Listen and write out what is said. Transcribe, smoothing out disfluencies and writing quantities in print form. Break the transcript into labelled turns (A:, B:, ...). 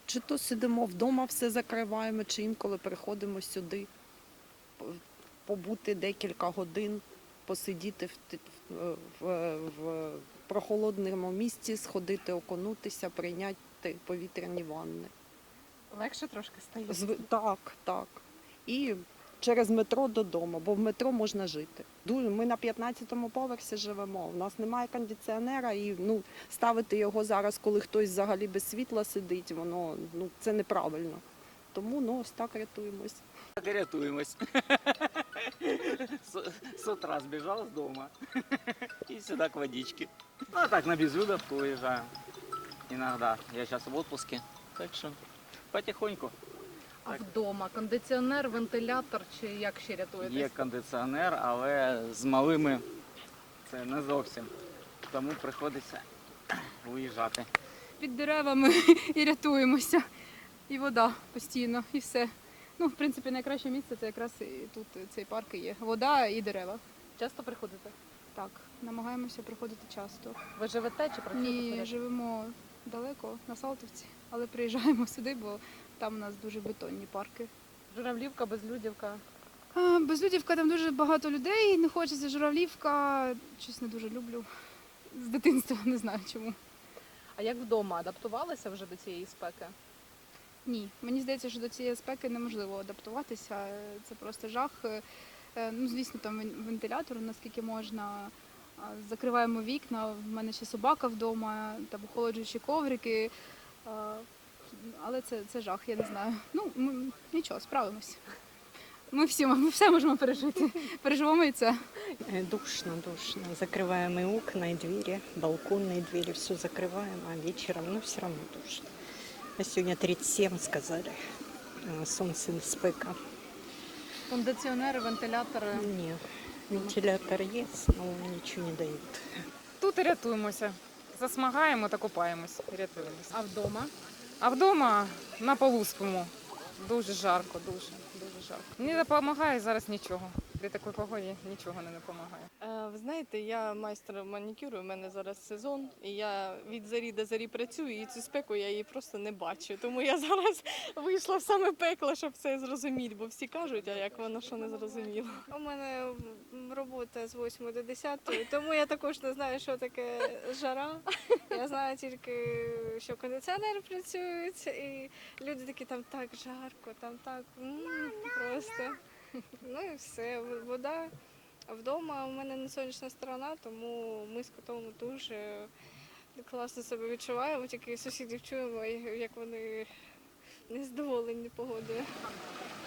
A: Чи то сидимо вдома, все закриваємо, чи інколи приходимо сюди побути декілька годин, посидіти в прохолодному місці, сходити, окунутися, прийняти повітряні ванни.
B: Легше трошки стає?
A: Так, так. І через метро додому, бо в метро можна жити. Ми на 15-му поверсі живемо, у нас немає кондиціонера, і ставити його зараз, коли хтось взагалі без світла сидить, це неправильно. Тому ось так рятуємось.
C: Так и рятуемся. С утра сбежал с дома и сюда к водичке. Ну, а так на Безудовку уезжаем иногда. Я сейчас в отпуске, так что потихоньку.
B: А вдома кондиціонер, вентилятор чи як ще рятуєтесь?
C: Є кондиціонер, але з малими це не зовсім. Тому приходиться виїжджати.
D: Під деревами і рятуємося. І вода постійно, і все. В принципі, найкраще місце це якраз і тут цей парк і є. Вода і дерева.
B: Часто приходите?
D: Так, намагаємося приходити часто.
B: Ви живете чи працюєте?
D: Ні,
B: поряд?
D: живемо далеко, на Салтівці, але приїжджаємо сюди, бо там у нас дуже бетонні парки.
B: Журавлівка, Безлюдівка.
D: Безлюдівка, там дуже багато людей, не хочеться. Журавлівка, щось не дуже люблю. З дитинства, не знаю чому.
B: А як вдома? Адаптувалися вже до цієї спеки?
D: Ні, мені здається, що до цієї спеки неможливо адаптуватися. Це просто жах. Звісно, там вентилятор, наскільки можна. Закриваємо вікна, в мене ще собака вдома, там охолоджуючі коврики. Але це жах, я не знаю. Нічого, справимось. Ми все можемо пережити. Переживемо і це.
E: Душно. Закрываем и окна, и двери, балконные двери, все закрываем, а вечером, все равно душно. А сегодня 37 сказали, солнце спека.
B: Кондиціонери, вентилятори.
E: Нет, вентилятор есть, но ничего не дает.
F: Тут і рятуємося. Засмагаємо та купаємось. І рятуємося.
B: А вдома?
F: А вдома на полу спимо. Дуже жарко, дуже жарко. Не допомагає зараз нічого. При такій погоді нічого не допомагає.
G: Ви знаєте, я майстер манікюру, у мене зараз сезон, і я від зарі до зарі працюю, і цю спеку я її просто не бачу. Тому я зараз вийшла в саме пекло, щоб це зрозуміти, бо всі кажуть, а як воно що не зрозуміло. У мене робота з 8 до 10, тому я також не знаю, що таке жара. Я знаю тільки, що кондиціонер працює, і люди такі, там так жарко, там так просто. Ну і все, вода. Вдома у мене не сонячна сторона, тому ми з котом дуже класно себе відчуваємо, тільки сусідів чуємо, як вони незадоволені погодою.